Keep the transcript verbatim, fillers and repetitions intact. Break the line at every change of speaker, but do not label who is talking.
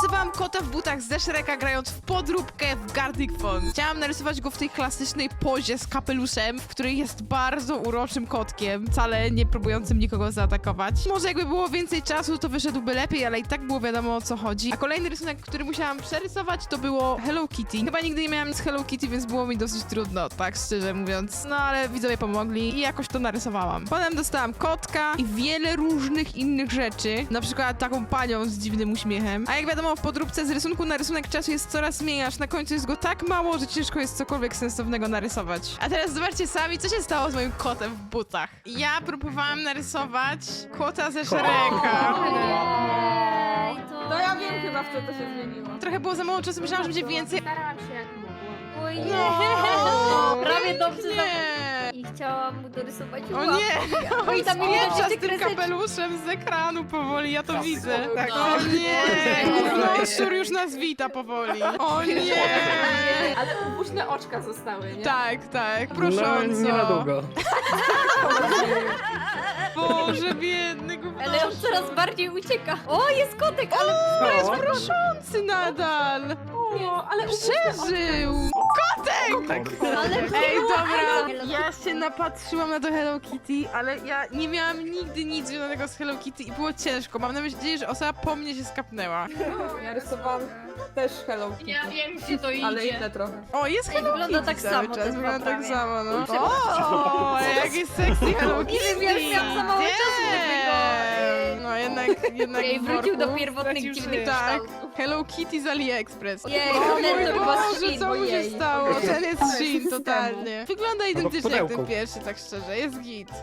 narysowałam kota w butach ze Shreka, grając w podróbkę w Gartic Phone. Chciałam narysować go w tej klasycznej pozie z kapeluszem, w której jest bardzo uroczym kotkiem, wcale nie próbującym nikogo zaatakować. Może jakby było więcej czasu, to wyszedłby lepiej, ale i tak było wiadomo, o co chodzi. A kolejny rysunek, który musiałam przerysować, to było Hello Kitty. Chyba nigdy nie miałam nic z Hello Kitty, więc było mi dosyć trudno, tak szczerze mówiąc. No ale widzowie pomogli i jakoś to narysowałam. Potem dostałam kotka i wiele różnych innych rzeczy, na przykład taką panią z dziwnym uśmiechem. A jak wiadomo, w podróbce z rysunku na rysunek czasu jest coraz mniej, aż na końcu jest go tak mało, że ciężko jest cokolwiek sensownego narysować. A teraz zobaczcie sami, co się stało z moim kotem w butach. Ja próbowałam narysować kota ze Shreka.
Ej, to...
No ja wiem chyba, w co to się zmieniło.
Trochę było za mało czasu, myślałam, że będzie więcej.
Starałam się jak mogłam. Oj,
No,
prawie dobrze za...
nie.
I chciałam mu dorysować
O
łapki.
nie!
Oj,
On
tam mi
spieprza
będzie
z tym
kreseczki.
kapeluszem z ekranu powoli, ja to widzę. Tak.
No.
O nie! Gównoszczur już nas wita powoli. O nie!
Ale ubuśne oczka zostały, nie?
Tak, tak,
No,
prosząco.
nie na długo.
Boże, biedny
Ale on coraz bardziej ucieka. O, jest kotek, ale...
To jest proszący nadal.
O, ale
Przeżył! Kotek!
ale
Ej, dobra,
Hello
ja się napatrzyłam na to Hello Kitty, ale ja nie miałam nigdy nic związanego z Hello Kitty i było ciężko. Mam nadzieję, że osoba po mnie się skapnęła.
Ja rysowałam też Hello Kitty,
Ja wiem, gdzie to idzie.
ale inne trochę.
O, jest
Ej,
Hello
wygląda
Kitty
tak
cały
samo,
czas,
ten
wygląda tak
prawie.
samo, no. O, jaki sexy Hello Kitty!
Nie wiem, jak miałam za mało czasu, żeby go...
Damn. No jednak, jednak
Ej,
w
wrócił do
worku
pierwotnych
stracił
dziwnych
życie. Tak,
kształtów.
Hello Kitty z AliExpress.
Jej,
O
ten
mój
to chyba
Boże,
Shein,
co mu się
ojej.
stało? Ten jest Shein, totalnie. Wygląda
w
identycznie jak ten
pudełku.
pierwszy, tak szczerze, jest git.